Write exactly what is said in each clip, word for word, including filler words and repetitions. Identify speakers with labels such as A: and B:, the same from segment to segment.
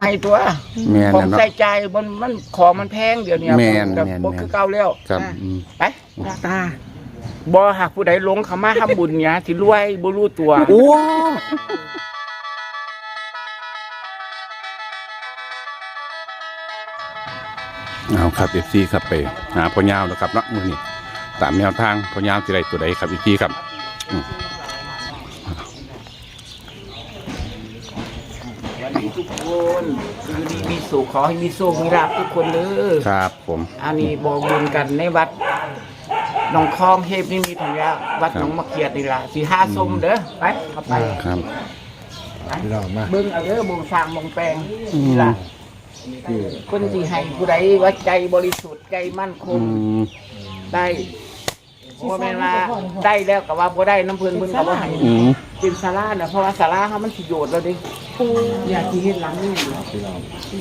A: ให้ตัวของใส่ใจมันมันของมันแพงเดี๋ยวนี้
B: แม่น
A: แบบ
B: แม่น
A: บ่คือเก่าแล้ว
B: ครับ
A: ไป
C: ตา
A: บ่หากผู้ใดหลงเข้ามาทำบุญเนี่ยสิรวยบ่รู้ตัว
B: โอ้เอาครับเอฟซีครับไปหาพ่อยาวนะครับเนาะมือนี้ตามแนวทางพ่อยาวสิได้ตัวใดครับเอฟซีครับอืม
A: วันนี้ทุกคนคือดีมีสุขขอให้มีโชคมีลาภทุกคนเด้อ
B: ครับผม
A: อันนี้บอกบุญกันในวัดหนองคลองเทพนี่มีธัญญาวัดหนองมะเขียดนี่ล่ะสีห้าส้มเด้อไปเข้าไป
B: ครับ
C: พี่น้องมา
A: เบิ่งเอาเด้อบ่งสร้างบ่งแปลงนี่ล่ะคนที่ให้ผู้ใดว่าใจบริสุทธิ์ใจมั่นค
B: อื
A: ง
B: ม
A: ได้บ่แม่นว่าได้แล้วก็ว่าบ่ได้น้ำเพิ่นเพิ่นก็บ่ให้
B: อืม
A: เป็นศาลาน่ะเพราะว่าศาลาเฮามันสิโยชน์แล้วเด้อยากสิเฮ็ดหลังนี้อยู่
C: พี่น้อง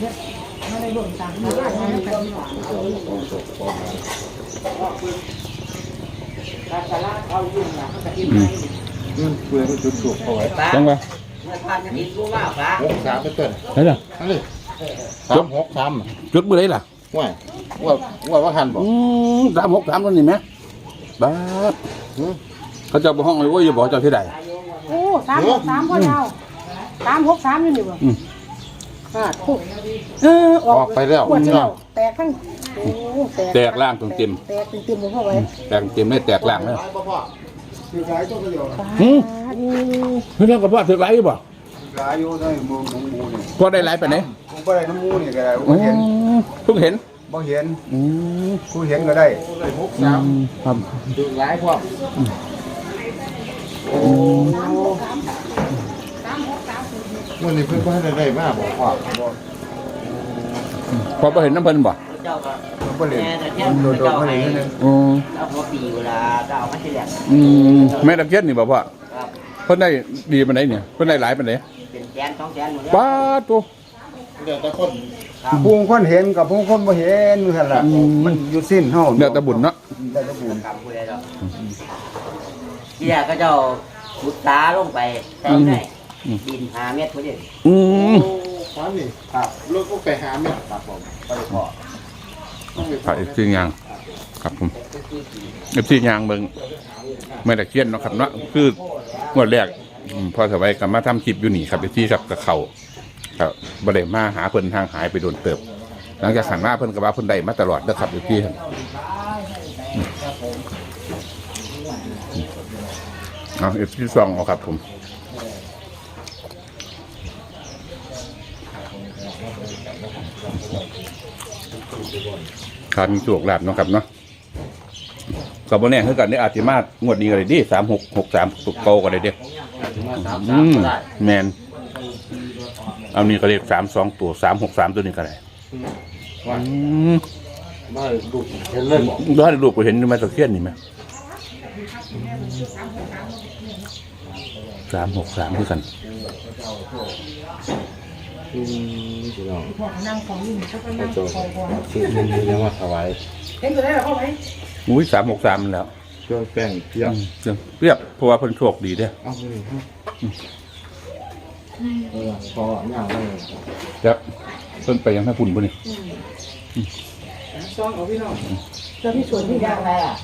A: ศาลาเอาอยู่น่ะเขาก็เฮ็ด
B: อื
A: ให้
B: ม
C: มันเปลือยมันจุดถูกเอาไว้
B: จังวะ
A: เมื่อทานจะเฮ็ดรู้ว่าฟ้า
C: หกสามไปเต้น
B: ไหนล่ะ
C: นั่นเลยสามหกสาม
B: จุดมือไหนล่ะ
C: ว่าว่าว่าว่าหันบอก
B: อืมสามหกสามตัวนี้ไหมบ้าดเขาจะไปห้องเลยว่าอย่าบอกเจ้าที่ใด
D: โอ้สามหกสามพ่อยาวสามหกสามอยู่นี่บ่
B: อืม
D: ค่ะถูกเอออ
C: อ
D: อ
C: อก กไปแล้ว
D: ปวด
C: พี่
D: เจ้า
C: น้อง
D: แตกทั้งโอ้แตก
B: แตกล่างตรงเต็ม
D: แตกเต็มๆบ่เข้าไว้
B: แตกเต็มไม่แตกล่างเลย
C: คือสายตัวประโยชน์
B: หืม
D: อืม
B: เรื่องกับพ่อถือไรบ่
C: สายอยู่ในมือของมูนี่
B: พ่อได้ไรไปไหน
C: ผมก็ได้น้ำมูนี่ก็ได้ผม
B: อื
C: เห็น
B: มเพิ่งเห็น
C: บ่เห็น
B: อืม
C: ผู้เห็นก็ได้หกสาม
B: ครับ
C: ดูหลายพวก วันนี้เพิ่นก็ให้ได้มากบอกพ่อบอก
B: พอไปเห็นน้ำเพิ่นบ่
A: เจ้าก็
C: บ่เล่น
A: แม่แต่เที่ยง
C: โดด
A: เจ้า
C: ๆมา
A: ให้
C: เลยนั่น
B: อืม
A: เอาพอปีเวลาเจ้ามาที่แหลก
B: อืมแม่ตะเคียนนี่บ่พ่อ
A: ครับ
B: เพิ่นได้ดีปานไหนเนี่ยเพิ่นได้หลายปานไหน
A: เป็นแสนสองแสนหมดแล้ว
B: ป้าดตัว
C: เดี๋ยวแต่คนผู้คนเห็นกับผู้คนบ่เห็นนั่นล่ะมันอยู่สิ้นเฮา
B: เดี๋ยวแตะบุญเนาะ
C: ได้แตะบุญ
A: กรรมผู้ใดดอกที่แรกก็เจ้าขุดตาลงไปแต่ได้ดินหาเม็ดพอดี
B: อืม
C: ครับนี่ครับรถก็ไปหาแม่ครับผมไปขอ
B: ถ่ายซียางครับผมเอฟซียางเบิ่งแม่ตะเคียนเนาะครับเนาะคืองวดแรกอืมพอสบายกลับมาทำคลิปอยู่นี่ครับเอฟซีครับกับเขาครับบ่ได้มาหาเพิ่นทางหายไปโดนเติบ หลังจากหันมาเพิ่นก็ว่าเพิ่นได้มาตลอดเด้อครับเอฟซีครับเอาเอฟซีซองเอาครับผมขาดมีโชคลาภเนาะครับเนาะกับบ่แน่คือกันได้อาจสิมางวดนี้ก็ได้ดิสามหกหกสามตุกโกก็ได้เด้อืมแมนเอานี่ก็เลขสามสองตัวสามหกสามตัวนี้ก็ได้อืม
C: มาดูเห็นเลยบอก
B: ย้อนรูปก็เห็นอยู่มาตะเคียนนี่ไหมสามหกสามคือกัน
C: อืมพี่น้อง
D: พวกนั่งของนี่เขาก็นั่ง
C: โจ
D: ของพอ
C: ชื่อมันยังว่าถวาย
D: เห็นตัวได้หรอเข้าไว้
B: อุ้ยสามหกสามแล้ว
C: เครื่องแป้งเพียบ
B: อืมเปรียบเพราะว่าเพิ่นโชคดีเด้อ
C: เอาไปเลยครับเออพอเนี่ยเลย
B: ครับเพิ่นไปยังท่าปุ่นบ่นี่
A: ซองเอาพี่น้อง
D: เจ้าที่สวนที่ยางอะไรอ่ะ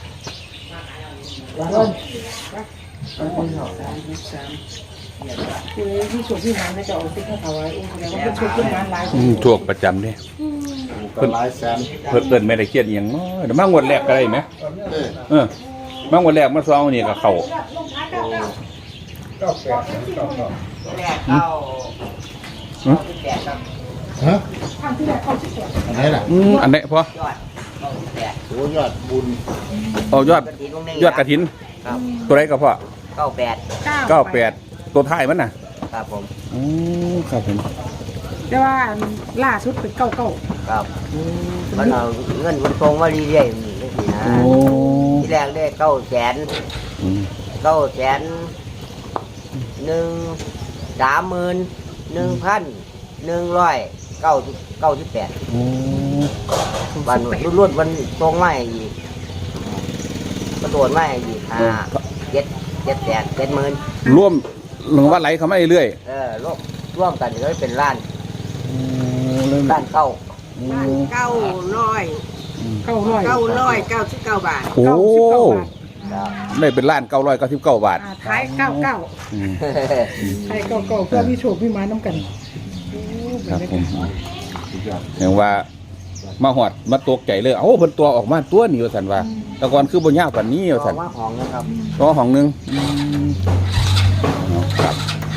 D: คือที่สวนที่น้ำน่าจะเอาติ๊กให้เขาไว้อุ้งแสดงว่าเป็นชุดที่น้ำลาย
B: อืมโชคประจำเด้
C: เพิ่นหลายแสน
B: เพิ่นเอิ้นไม่ได้เครียดอีหยังเนาะเดี๋ยวมางวดแรกก็ได้ไหม
C: เออ
B: เออมางวดแรกมาซองนี่ก็เข้า
C: เก้าแปดเก้าเก้า
A: แรกเข้า
B: อืม
A: ที่แปดครับ
C: ฮะ
D: ทางที่แรกเข้าที่สวน
C: อันไหนล่ะ
B: อืมอันไหนพอย
A: อดเข้าที่แปด
C: โหยอดบุญ
B: เอายอด
A: กระถิ่นวงหนึ่ง
B: ยอดกระถิน
A: ครับ
B: ตัวไหนก็พอ
A: เก้าแปด
B: เก้าแปดตัวท้ายมันน่ะ
A: ครับผม
B: อืมครับผม
D: แต่ว่าล่าสุดเป็นเก้าเก้า
A: ครับมันเอาเงินมันตรงมาเรื่อยๆนี่สินะ
B: โอ้
A: ที่แรกได้เก้าแสน
B: อืม
A: เก้าแสนหนึ่งสามหมื่นหนึ่งพันหนึ่งร้อยเก้าเก้าสิบแปด
B: โอ้
A: วันรุ่นๆวันตรงไม่อีกกระโดดไม่อีกห้าเจ็ดเจ็ดแสนเจ็ดหมื่น
B: ร่วมหลวงว่าไหลเขาไม่เรื่อย
A: เออร่วมร่วมกันเลยเป็นล้าน
B: อืม
A: ด้านเก้า
E: บ้านเก้าร้อย
D: เก้าร้อย
E: เก้าร้อยเก้าสิบเก้าบาท
B: โอ้
D: เก้าสิบเก้าบาท
B: ได้เป็นล้านเก้าร้อยเก้าสิบเก้าบาท
D: อ่าท้ายเก้าเก้า
B: อืม
D: ท้ายเก้าเก้าเพื่อมีโชคมีมาน้ำกันโอ้
B: ครับ
D: เป็น
B: ผม
D: ไง
B: อย่างว่ามาหอดมาตกใจเลยเอ้าเพิ่นตัวออกมาตัวนี้ว่าซั่นว่าแต่ก่อนคือบ่ยาวกว่านี้ว่า
A: ต่อ
B: ซั่น
A: ว่าของนะครับ
B: ตัวห้องหนึงอืมเอาครับ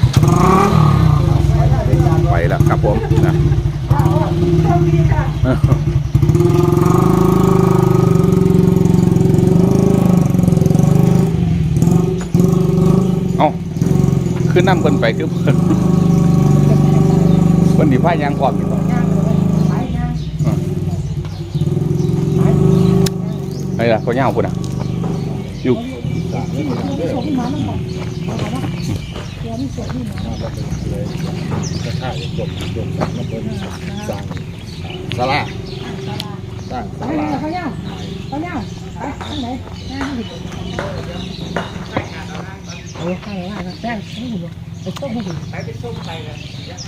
B: ไปแล้วครับผมนะเอ้าคือนํเพิ่นไปคือเพิ่นเพิ่นสิพายางพร้อมอยู่ ไอ้ล่ะเขาเงาพุ่นอ่ะอยู่สาราสร้างสารา
D: เขาเน่าเขาเน่าไปทางไหนหน้าที่เออใครว่าแป้งไม่ถูกไปส้มไม่ถูกไปไปส้มไปเลย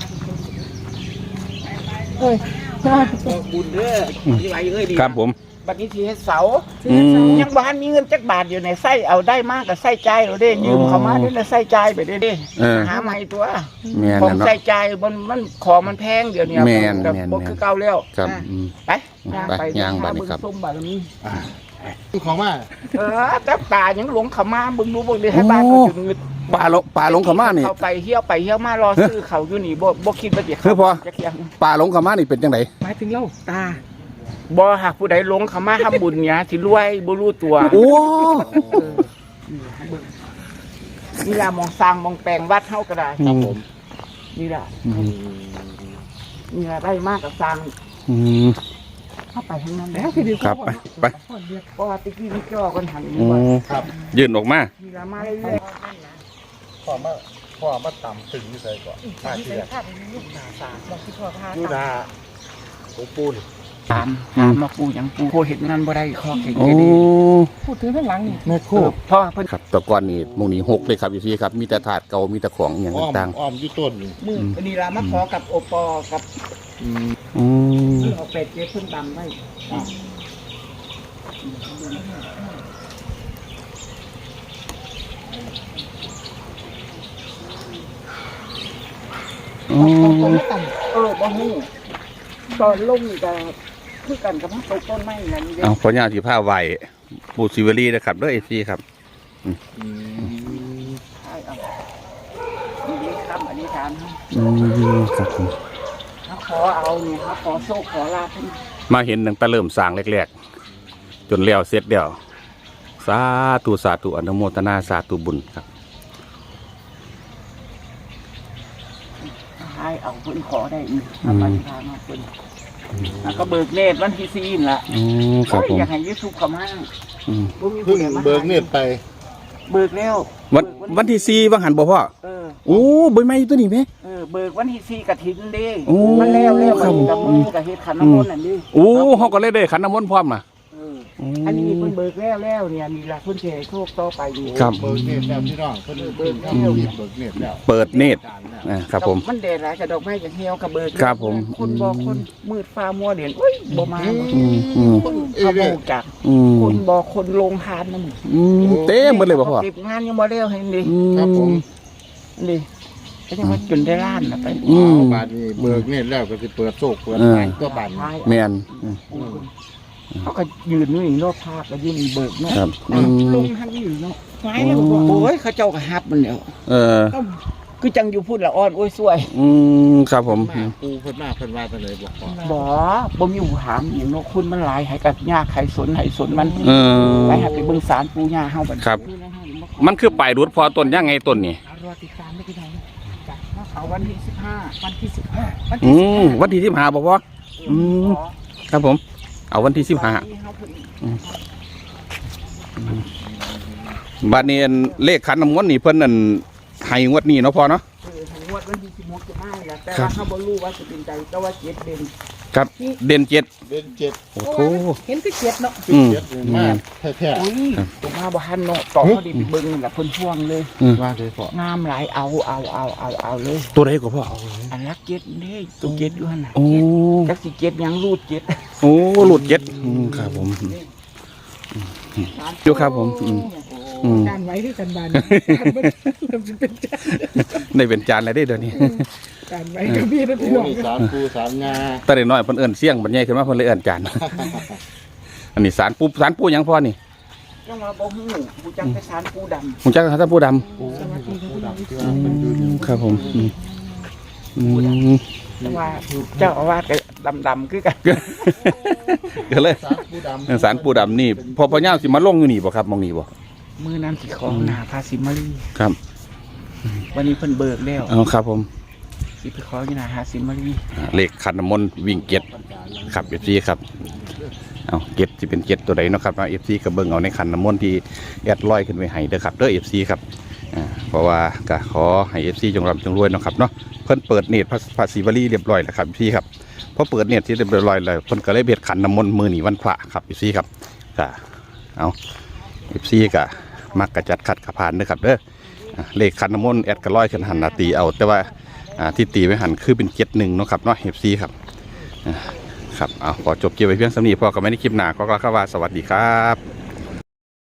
D: เอ้ย
E: บุญเด้อที่ไรเอ้ยดี
B: ครับผม
E: บัดนี้ทีเฮ็ดเสา
B: อืม
E: ยังบ้านมีเงินจักบาทอยู่ในไส้เอาได้มากกับไส้ใจเราได้ยืมเขามาได้ไส้ใจไปได้ดิ
B: เออ
E: หาใหม่ตัว
B: แม่น
E: ของ
B: น่ะเนาะ
E: ไส้ใจมันมันของมันแพงเดี๋ยวนี้
B: แม่น
E: แบบ
B: แม่น
E: บ่คือเก่าแล้ว
B: ครับ
E: อ่ะ
B: อืม
E: ไป
B: ไปย่างบัดนี้ครับ
E: เงส้มบาดนี้
C: ของมา
E: เออจับตายังหลงเขามาบึงดูบึงดิให้บ้านเขาถึงเงิน
B: ป่าลงป่าลงเขามานี่
E: เขาไปเที่ยวไปเที่ยวมารอซื้อเขาอยู่นี่บ่บ่คิดว่าจะ
B: คือพอ
E: จะเที่ยง
B: ป่าลงเขามานี่เป็นจังได
D: หมายถึงเรา
E: ตาบ่หากผู้ใดหลงเขามาทำบุญเนี่ยสิรวยบ่รู้ตัว
B: โอ้
E: นี่ล่ะมองสร้างมองแปลงวัดเฮาก็ได้
B: ครับผม
E: นี่ล่ะนี่ล่ะได้มากกับสร้าง
B: อืม
E: เข้าไปข้างนั้น
D: แล้
E: แล้ว ว
D: คือดี
B: ครับไปไป
E: เพราะว่าตะกี้นี่จ่อกันหัน
B: อื
E: นี่ว่าม
C: ครับ
B: ยื่นออกมา
E: นี่ล่ะมาเรื่อย
C: พ่อมาพ่อมาต่ำตึงนี่ใส่ก่อนป้าที่แรก
E: ๆลูกหนาสา
D: บอกที่พ่อพา
C: ดูนาโอ้ปูน
E: ถามถามมาปูหยังปูโคเห็นนั้นบ่ได้ข้อเก่ง
B: โอ้
E: ดี
D: พูดถึงข้างหลังนี่
C: แม่
E: เอ
C: คู่
E: อเพราะว่าเพิ่น
B: ครับแต่ก่อนนี่หมองนี้หกเลยครับอยู่ที่ครับ มีแต่ถาดเก่ามีแต่ของอหย่าง
C: อ้อม
B: ต่าง
C: อ้อมอยู่ต้นนี่
E: มืออันนี้ล่ะมาขอกับโอปอกับ
C: อืม
B: ๆอืม
E: เอาเป็ดเจ๊เพิ่นดำไว้
B: อืม
E: เออบ่ฮู้ตอนลงนี่ก็คือกันกับตกต้นไม้นั่นเด้
B: เอาขออนุญาตที่ผ้าไหวปูซิเวอรี่นะครับด้วยเอซีครับ
C: อืม
E: ใช่เอาอันนี้คำอธิษฐานเฮา
B: อืมครับผม
E: เขาขอเอาเนี่ยเขาขอโชคขอลาภเพิ่น
B: มาเห็นตั้งแต่เริ่มสร้างแรกๆ จนแล้วเสร็จเดียวสาธุสาธุอนุโมทนาสาธุบุญครับ
E: ให้เอาเพิ่นขอได้อีกเอาอธิษฐานเอาเพิ่นแล้วก็เบิกเนตรวันที่สี่นั่นล่ะ
B: อืมครับผม
E: โอ้ยอยากให้ยูทูบเข้ามา
B: อืม
E: บ่มีผู้
C: เพิ่ง
E: ใดมา
C: เบิกเนตรไป
E: เบิกแล้ว
B: วันวันที่สี่วังหันบ่พ่อ
E: เออ
B: โอ้ใบไม้อยู่ตัวนี้ไหม
E: เออเบิกวันที่สี่กฐินเด้
B: โอ้
E: มันแล้วแล้ว
B: ครั
E: มั
B: บ
E: นกับมือกับเฮ็ดขันน้ำมนต์นั่นดิ
B: โอ้เขาก็เลยได้ขันน้ำมนต์พร้อมนะ
E: เอออันนี้เพิ่นเบิกแล้วแล้วเนี่ยนี่ล่ะเพิ่นสิให้โชคต่อไปอยู่
B: ครับ
C: เบิกเนตรแล้วพี่น้องเพิ่นเบิกเนตรเบิกเนตรแล้ว
B: เปิดเนตรอ่าครับผม
E: มันแดดหลายกับดอกไม้กับเหี่ยวกับเบิก
B: ครับผม
E: คนบ่คนมืดฟ้ามัวเด่นอุ้ยบ่มา
B: อืมอืม
E: คนเขาบ่รู้จัก
B: อืม
E: คนบ่คนลงทานนำ
B: อืมเต็มหมดเลยบ่พ่อ
E: เก็บงานยังบ่แล้วให้ดิ
B: อืม
C: ครับผม
E: ดิก็ยังว่าจนได้ล้านน่ะไป
B: อืม
C: บาทนี้เบิกเนตรแล้วก็สิเปิดโชคเปิด
B: เออ
C: ขายตัวบาทนี้
B: แมนอืม
E: เขาก็ยืนอยู่นี่รอบภาคก็ยืนเบิกเนาะ
B: ครับอืม
E: ลงทางนี้อยู่เนาะ
D: หายแล้วบอก
E: โอ้ยเขาเจ้าก็ฮับมันแล้ว
B: เออ
E: คือจังอยู่พูดละอ่อนโอ้ยสวย
B: อืมครับผม
C: มาปูเพิ่นมาเพิ่นว่าจังไดบอกพ่อ
E: บ่บ่มีหูถามอย่างเนาะคุณมันหลายให้กับยาไข่สนให้สนมัน
B: เออ
E: ไปหาไปเบิ่งสารปูย่าเฮาบัด
B: ครับ มันคือปลายรุดพอต้นยังไงต้นนี่
D: รอติดตามไม่กี่ไหน
E: จ้ะเอาวันที่สิบห้า
D: วันที่สิบห้า
E: วัน
B: อื
E: ที่สิบ
B: ม
E: ห้า
B: วันที่สิบห้าบ่พ่อ อืม ครับผม เอาวันที่สิบห้าบัดนี้อันเลขขันน้ำมนต์นี่เพิ่นนั่นให้งวดนี้เนาะพ่อเนาะ
E: เออให้งวดวันที่สิบหกจะมาแล้วแต่
B: ครั
E: ว่า
B: บ
E: เขาบ่รู้ว่าจะเป็นใจแต่ว่าเจ็ดเด่น
B: ครับ เด่นเจ็ด
C: เป็นเจ็ด
B: โอ้โห
D: เห็นคือเจ็ดเนาะ
C: เป็นเจ็ดเลยมากแท้
E: อุ้ยผมมาบ้านเนาะต่อเขาดีไปเบิ่งนั่นแหละเพิ่นพ่วงเลย
C: ๆว่าเลยพ่อง
E: ามหลายเอาเอาเอาเอาเอาเลย
B: ตัวใดก็พ่อ
E: อันลักเจ็ดนี่ตัวเจ็ดอยู่หั่นน่ะ
B: โอ้
E: จักสิเจ็ดยังรูดเจ็ด
B: โอ้หลุดเจ็ดอืมครับผมอยู่ครับผมอืมอืม
D: การไว้ที่กันบานการมันเป็นจาน
B: ได้เป็นจานอะไรได้เดี๋ยวนี้
D: การไว้กับพี่นะ
C: โอ้
D: พี่น้อง
C: นี่สามปูสามงา
B: แต่เด็กน้อยเพิ่นเอิ้นเสี่ยงบัดใหญ่ขึ้นมาเพิ่นเลยเอิ้นจาน อันนี้สารปูสารปูหยังพ่อนี่
E: จังว่าบ่ฮู้ผู้จักไปสารปูดำ
B: ผมจักสารปูดำ
C: ปูปูดำที่ว่า
B: อื
C: เป็นดู
B: มครับผมอืมอืม
E: จังว่าเจ้าอาวาสก็ดำๆคือกัน
B: ก็เลย
C: สามปูดำ
B: สารปูดำนี่พอพ่อย่าสิมาลงอยู่นี่บ่ครับมองนี่บ่
E: มื้อนั้นสิขอหน้าพาสิมาลี
B: ครับ
E: วันนี้เพิ่นเบิกแล้ว
B: เอาครับผม
E: สิไปขออยู่หน้าหาสิมาลี
B: อ่าเลขขันน้ำมนต์วิ่งเก็ดครับเอฟซีครับเอาเก็ดที่เป็นเก็ดตัวใดเนาะครับเอฟซีก็เบิ่งเอาในขันน้ำมนต์ที่แอดลอยขึ้นไปให้เด้อครับเด้อเอฟซีครับอ่าเพราะว่าก็ขอให้เอฟซีจงร่ำจงรวยเนาะครับเนาะเพิ่นเปิดเนตรภาษีวลีเรียบร้อยแล้วครับเอฟซีครับพอเปิดเนตรที่เรียบร้อยแล้วเพิ่นก็เลยเบียดขันน้ำมนต์มือหนีวันพระครับเอฟซีครับก็เอาเอฟซีก็มักกระจัดขัดกระพานเด้อครับเด้ออ่าเลขขันน้ำมนต์แอดก็ลอยขึ้นหันหนาตีเอาแต่ว่าอ่าที่ตีไว้หันคือเป็นเจ็ดหนึ่งเนาะครับเนาะเอฟซีครับอ่าครับเอาขอจบเกี่ยวไว้เพียงสำนีพอกับไม่ได้คลิปหนาก็กล่าวคำว่าสวัสดีครับ